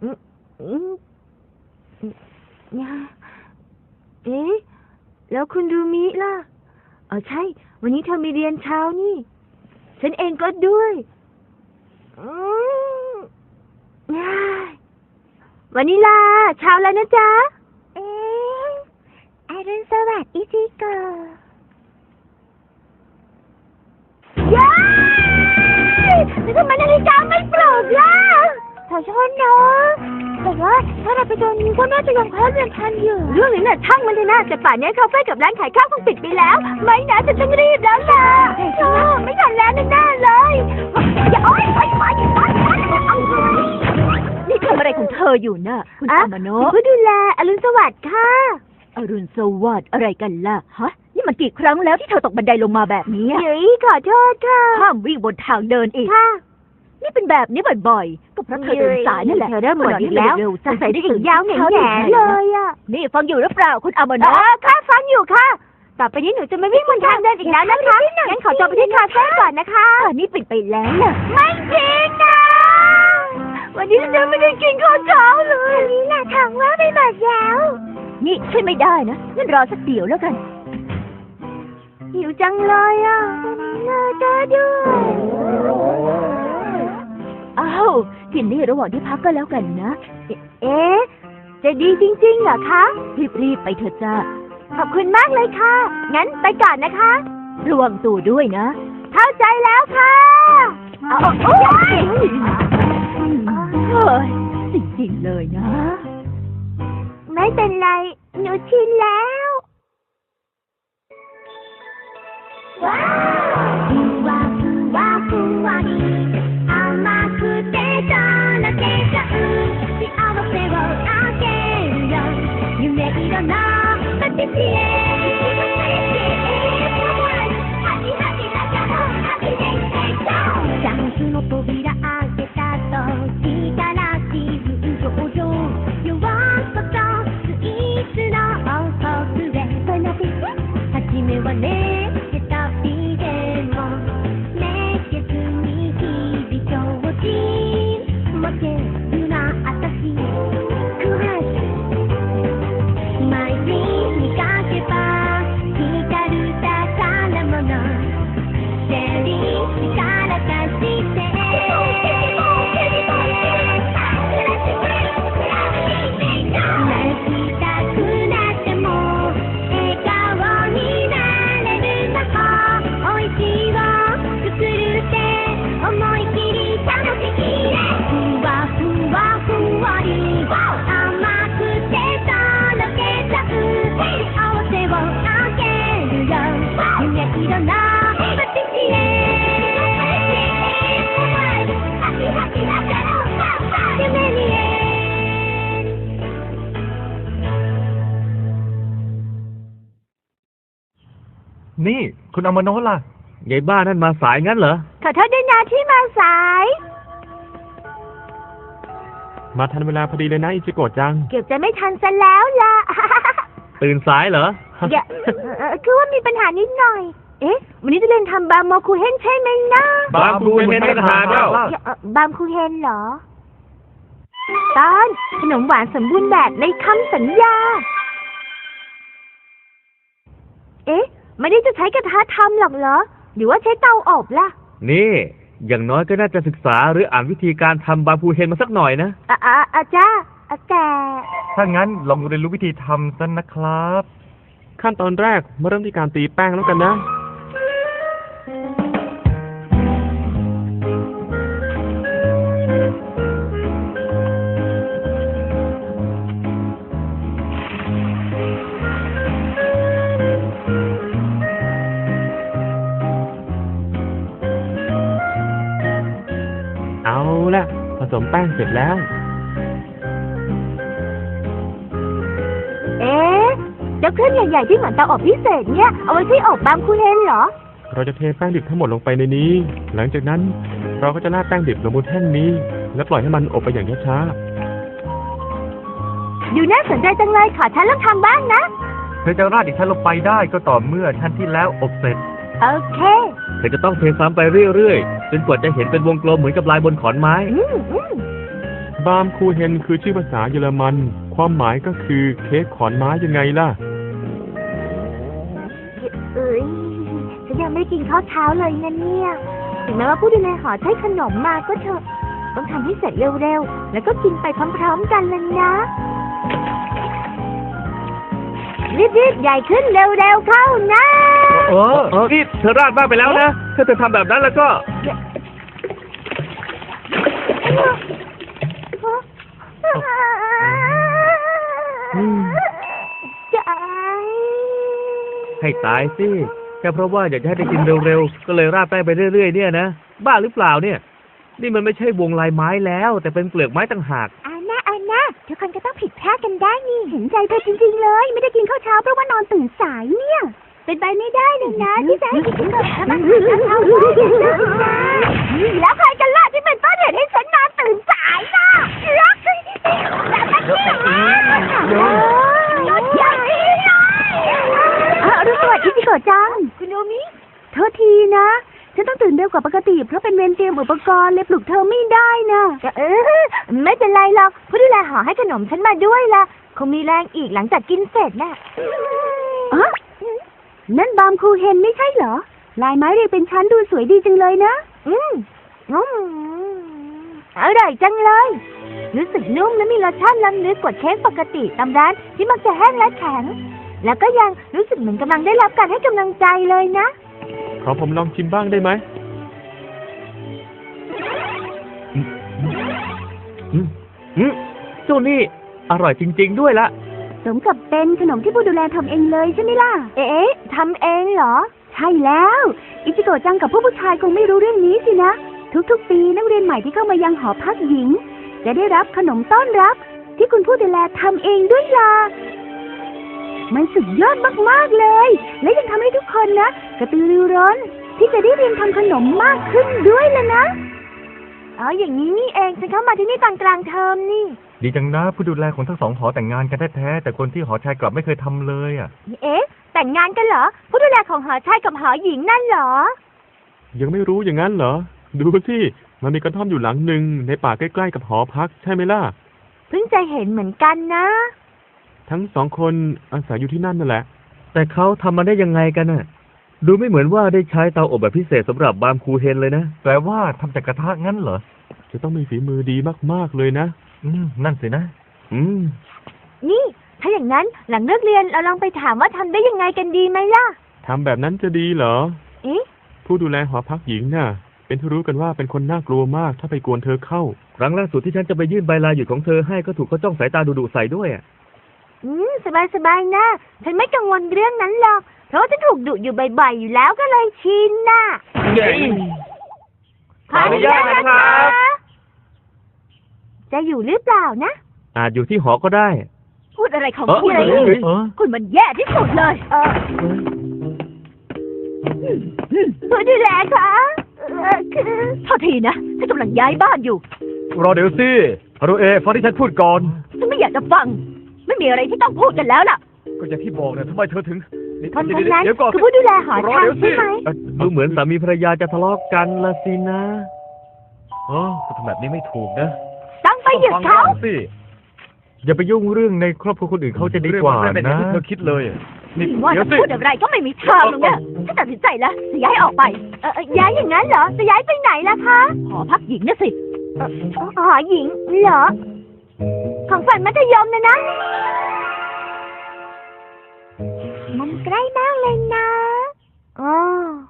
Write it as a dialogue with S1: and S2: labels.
S1: อืมอืมเอ๊ะแล้วคุณรูมิล่ะใช่วันนี้เธอมีเรียนเช้านี่ฉันเองก็ด้วยอืมวันนี้ล่ะเช้าแล้วนะจ๊ะอรุณสวัสดิ์อิซิโกะย้ายแล้วทำไมนาฬิกาไม่ปลุกล่ะขอโทษนะแต่ว่าถ้าเราไปตอนนี้ก็น่าจะยังเข้าเรียนทันอยู่เรื่องนี้น่ะช่างมันเลยนะแต่ป่านนี้คาเฟ่กับร้านขายข้าวคงปิดไปแล้วไม่นะฉันต้องรีบแล้วล่ะไม่ทันแล้วแน่ๆเลยอย่าโอ๊ยนี่ทำอะไรของเธออยู่น่ะคุณอามาโนะผู้ดูแลอรุณสวัสดิ์ค่ะอรุณสวัสดิ์อะไรกันล่ะฮะนี่มันกี่ครั้งแล้วที่เธอตกบันไดลงมาแบบนี้เฮ้ยขอโทษค่ะห้ามวิ่งบนทางเดินอีกค่ะนี่เป็นแบบนี้บ่อยๆก็เพราะเธอเดินสายนั่นแหละเธอเริ่มหมดอีกแล้วสงสัยได้ถึงยาวแง่เลยอ่ะนี่ฟังอยู่หรือเปล่าคุณอามาโนะค่ะฟังอยู่ค่ะต่อไปนี้หนูจะไม่วิ่งบนทางเดินอีกแล้วนะคะงั้นขอตัวไปที่คาเฟ่ก่อนนะคะนี่ปิดไปแล้วน่ะไม่จริงนะวันนี้ฉันไม่ได้กินข้าวเช้าเลยวันนี้น่ะถังว่าไม่หมดแล้วนี่ใช่ไม่ได้นะงั้นรอสักเดี๋ยวแล้วกันหิวจังเลยอ่ะเลิกด้วยอ้าวกินนี่ระหว่างที่พักก็แล้วกันนะเอ๊ะจะดีจริงๆเหรอคะรีบไปเถอะจ้าขอบคุณมากเลยค่ะงั้นไปก่อนนะคะระวังตัวด้วยนะเข้าใจแล้วค่ะโอ้ยจริงๆเลยนะไม่เป็นไรหนูชินแล้วว้าวふわふわり甘くてとろけちゃう幸せをあげるよ夢色のパティシエチャンスの扉開けた時から自分上々弱さとスイーツの王国へ初めはね
S2: นี่คุณอามาโนะล่ะยายบ้านั่นมาสายงั้นเหรอ
S1: ขอโทษด้วยนะที่มาสาย
S2: มาทันเวลาพอดีเลยนะอิจิโกะจัง
S1: เกือบจะไม่ทันซะแล้วล่ะ
S2: ตื่นสายเหรอ
S1: คือว่ามีปัญหานิดหน่อยเอ๊ะวันนี้จะเรียนทำบาร์โมคูเฮนใช่ไหมนะ
S2: บาร์โมคูเฮนไม่ทานแล้ว
S1: บาร์โมคูเฮนเหรอตอนขนมหวานสมบูรณ์แบบในคำสัญญาเอ๊ะไม่ได้จะใช้กระทะทำหรอกเหรอหรือว่าใช้เตาอบล่ะ
S2: นี่อย่างน้อยก็น่าจะศึกษาหรืออ่านวิธีการทำบาร์พูเฮนมาสักหน่อยนะ
S1: จ้าแต่
S2: ถ้างั้นลองเรียนรู้วิธีทำซะนะครับขั้นตอนแรกมาเริ่มที่การตีแป้งแล้วกันนะเอาละผสมแป้งเสร็จแล้ว
S1: เจ้าเครื่องใหญ่ๆที่เหมือนเตาอบพิเศษเนี่ยเอาไว้ใช้อบบาร์โมคูเฮนเหรอ
S2: เราจะเทแป้งดิบทั้งหมดลงไปในนี้หลังจากนั้นเราก็จะราดแป้งดิบลงบนแท่นนี้และปล่อยให้มันอบไปอย่างช้า
S1: ๆดูน่าสนใจจังเลยขอฉันลองทำบ้างนะ
S2: เธอจะราดอีกชั้นลงไปได้ก็ต่อเมื่อชั้นที่แล้วอบเสร็จ
S1: โอเค
S2: เธอจะต้องเทซ้ำไปเรื่อยๆจนกว่าจะเห็นเป็นวงกลมเหมือนกับลายบนขอนไม้บามคูเฮนคือชื่อภาษาเยอรมัน ความหมายก็คือเค้กขอนไม้ยังไงล่ะ
S1: เอ้ยฉันยังไม่กินข้าวเช้าเลยนะเนี่ยถึงแม้ว่าผู้ดูแลหอใช้ขนมมาก็เถอะต้องทำให้เสร็จเร็วๆแล้วก็กินไปพร้อมๆกันเลยนะรีบๆใหญ่ขึ้นเร็วๆเข้านะ
S3: นี่เธอราดมากไปแล้วนะ ถ้าเธอทำแบบนั้นแล้วก็
S1: ใจ
S3: ให้ตายสิแค่เพราะว่าอยากจะให้ได้กินเร็วๆ ก็เลยราดแป้งไปเรื่อยๆเนี่ยนะ บ้าหรือเปล่าเนี่ย นี่มันไม่ใช่วงลายไม้แล้ว แต่เป็นเปลือกไม้ต่างหาก
S1: อาน่าทุกคนก็ต้องผิดพลาดกันได้นี่เห็นใจเธอจริงๆเลยไม่ได้กินข้าวเช้าเพราะว่านอนตื่นสายเนี่ยเป็นไปไม่ได้เลยนะที่จะให้กินขนมทำอาหารเช้าได้แล้วใครกันล่ะที่เป็นต้นเหตุให้ฉันนอนตื่นสายล่ะรักแบบนั้นเนี่ยรถใหญ่เลยรุ่งสวัสดิ์อิจิโกะจังคุณโนมิโทษทีนะฉันต้องตื่นเร็วกว่าปกติเพราะเป็นเวรเตรียมอุปกรณ์เลยปลุกเธอไม่ได้นะไม่เป็นไรหรอกผู้ดูแลหอให้ขนมฉันมาด้วยล่ะคงมีแรงอีกหลังจากกินเสร็จน่ะนั่นบามคูเฮนไม่ใช่เหรอลายไม้เรียงเป็นชั้นดูสวยดีจังเลยนะอร่อยจังเลยรู้สึกนุ่มและมีรสชาติล้ำลึกกว่าเค้กปกติตามร้านที่มักจะแห้งและแข็งแล้วก็ยังรู้สึกเหมือนกำลังได้รับการให้กำลังใจเลยนะ
S2: ขอผมลองชิมบ้างได้ไหม
S3: เจ้านี่อร่อยจริงๆด้วยละ
S1: สมกับเป็นขนมที่ผู้ดูแลทำเองเลยใช่ไหมล่ะทำเองเหรอใช่แล้วอิจิโกะจังกับผู้ชายคงไม่รู้เรื่องนี้สินะทุกๆปีนักเรียนใหม่ที่เข้ามายังหอพักหญิงจะได้รับขนมต้อนรับที่คุณผู้ดูแลทำเองด้วยล่ะมันสุดยอดมากๆเลยและยังทำให้ทุกคนนะกระตือรือร้นที่จะได้เรียนทำขนมมากขึ้นด้วยล่ะนะอย่างนี้นี่เองฉันเข้ามาที่นี่ตอนกลางเทอมนี่
S3: ดีจังนะผู้ดูแลของทั้งสองหอแต่งงานกันแท้ๆแต่คนที่หอชายกลับไม่เคยทำเลยอ่ะ
S1: แต่งงานกันเหรอผู้ดูแลของหอชายกับหอหญิงนั่นเหรอ
S2: ยังไม่รู้อย่างนั้นเหรอดูสิมันมีกระท่อมอยู่หลังหนึ่งในป่าใกล้ๆกับหอพักใช่ไหมล่ะ
S1: เพิ่งจะเห็นเหมือนกันนะ
S2: ทั้งสองคนอาศัยอยู่ที่นั่นนั่นแหละ
S3: แต่เขาทำมาได้ยังไงกันน่ะดูไม่เหมือนว่าได้ใช้เตาอบแบบพิเศษสำหรับบามคูเฮนเลยนะแปลว่าทำจากกระทะงั้นเหรอ
S2: จะต้องมีฝีมือดีมากๆเลยนะ
S3: นั่นสินะ
S1: นี่ถ้าอย่างนั้นหลังเลิกเรียนเราลองไปถามว่าทำได้ยังไงกันดีไหมล่ะ
S2: ทำแบบนั้นจะดีเหรอผู้ดูแลหอพักหญิงน่ะเป็นที่รู้กันว่าเป็นคนน่ากลัวมากถ้าไปกวนเธอเข้า
S3: ครั้งล่าสุดที่ฉันจะไปยื่นใบลาหยุดของเธอให้ก็ถูกเขาจ้องสายตาดุๆใส่ด้วย
S1: สบายนะฉันไม่กังวลเรื่องนั้นหรอกเพราะว่าฉันถูกดุอยู่บ่อยๆอยู่แล้วก็เลยชินน่ะ
S3: ขออนุญาตนะครับ
S1: จะอยู่หรือเปล่านะ
S3: อาจอยู่ที่หอก็ได้
S1: พูดอะไรของคุณคุณมันแย่ที่สุดเลยผู้ดูแลคะคือโทษทีนะฉันกำลังย้ายบ้านอยู่
S3: รอเดี๋ยวสิฮารุเอะฟังที่ฉันพูดก่อน
S1: ฉันไม่อยากจะฟังไม่มีอะไรที่ต้องพูดกันแล้วล่ะ
S3: ก็อย่างที่บอกนะทำไมเธอถึง
S1: คนนั้นคือผู้ดูแลหอพักใช่ไหม
S3: ดูเหมือนสามีภรรยาจะทะเลาะกันละสินะก็ทำแบบนี้ไม่ถูกนะ
S1: ต้องไปหยุดเขา
S3: อย่าไปยุ่งเรื่องในครอบครัวคนอื่นเขาจะดีกว่านะ
S2: เธอคิดเลย
S1: นี่ว่าจะพูดอะไรก็ไม่มีทางหรอกเนี่ยฉันตัดสินใจแล้วจะย้ายออกไปย้ายอย่างนั้นเหรอจะย้ายไปไหนล่ะคะหอพักหญิงนะสิหอหญิงเหรอของฝันมัธยมนะมันใกล้มากเลยนะ